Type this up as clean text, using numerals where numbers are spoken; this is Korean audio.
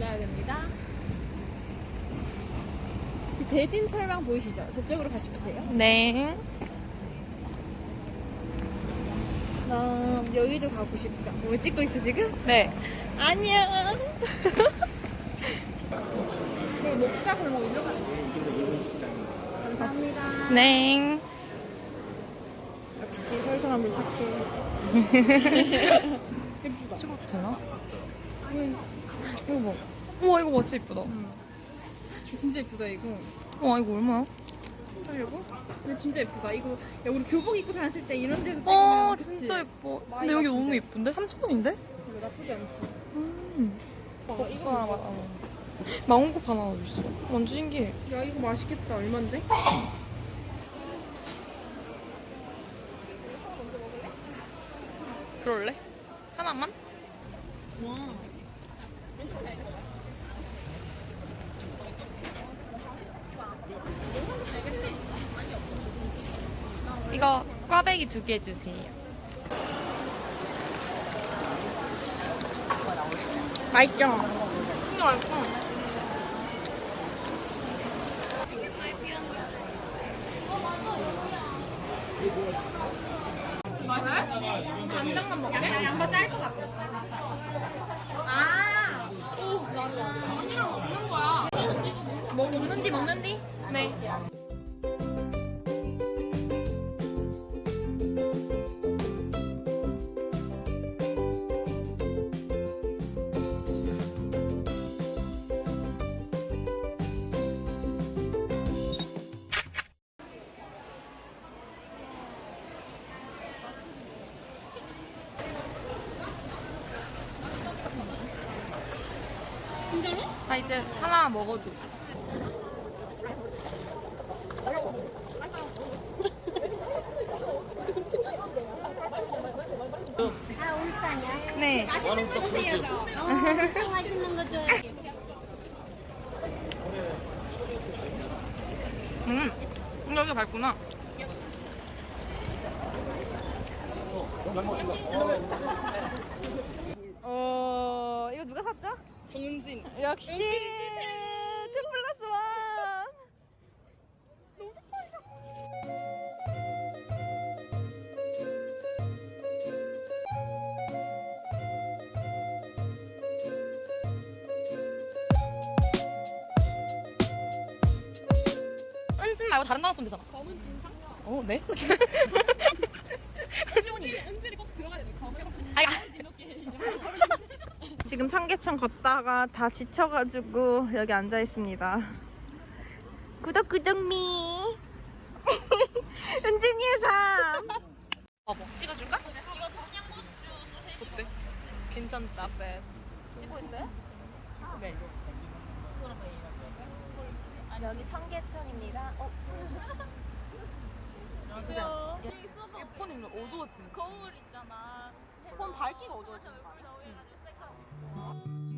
건너야 됩니다. 대진 철망 보이시죠? 저쪽으로 가시면 돼요. 네. 나 여의도 가고 싶다. 뭐 찍고 있어 지금? 네. 안녕. 네, 목자 골목 일로 가는 거예요. 감사합니다. 네. 역시 설성한물 착해. 예쁘다. 찍어도 되나? 이거 뭐? 우와, 이거 진짜 이쁘다. 진짜 예쁘다 이거. 와, 이거 얼마야? 하려고? 근데 진짜 예쁘다. 이거 야 우리 교복 입고 다녔을 때 이런 데서 아, 찍으면 그치? 진짜 예뻐. 근데 많이 여기 나쁜데? 너무 예쁜데? 3,000원인데? 별로 나쁘지 않지. 이거 하나 봤어. 망원컵 하나 있어. 완전 신기해. 야 이거 맛있겠다. 얼만데? 그럴래? 하나만? 와. 이거 꽈배기 2개 주세요. 맛있죠? 진짜 맛있어. 간장만 먹을래? 양파 짤 것 같아. 아. 오, 나도. 언니랑 먹는 거야. 뭐 먹는디? 네. 자, 이제 하나 먹어줘. 아, 울산이야? 네. 맛있는 거 주세요, 저. 엄청 맛있는 거 줘요. 여기 밟구나. 이거 누가 샀죠? 정은진. 역시 2+1. 은진 말고 다른 단어 쓰면 되잖아. 검은 진상? 네? 은진이 꼭 들어가야 돼. 검은 진상. 지금 청계천 걷다가 다 지쳐가지고 여기 앉아 있습니다. 구독미. 은진이의 삶. 찍어줄까? 이거 청양고추 어때? 괜찮지? 찍고 있어요? 네. 여기 청계천입니다. 진짜. 여기 있어도 폰이 오늘 어두워지네. 거울 있잖아. 폰 밝기가 어두워지는 거 여기다 올려가지고 셀카.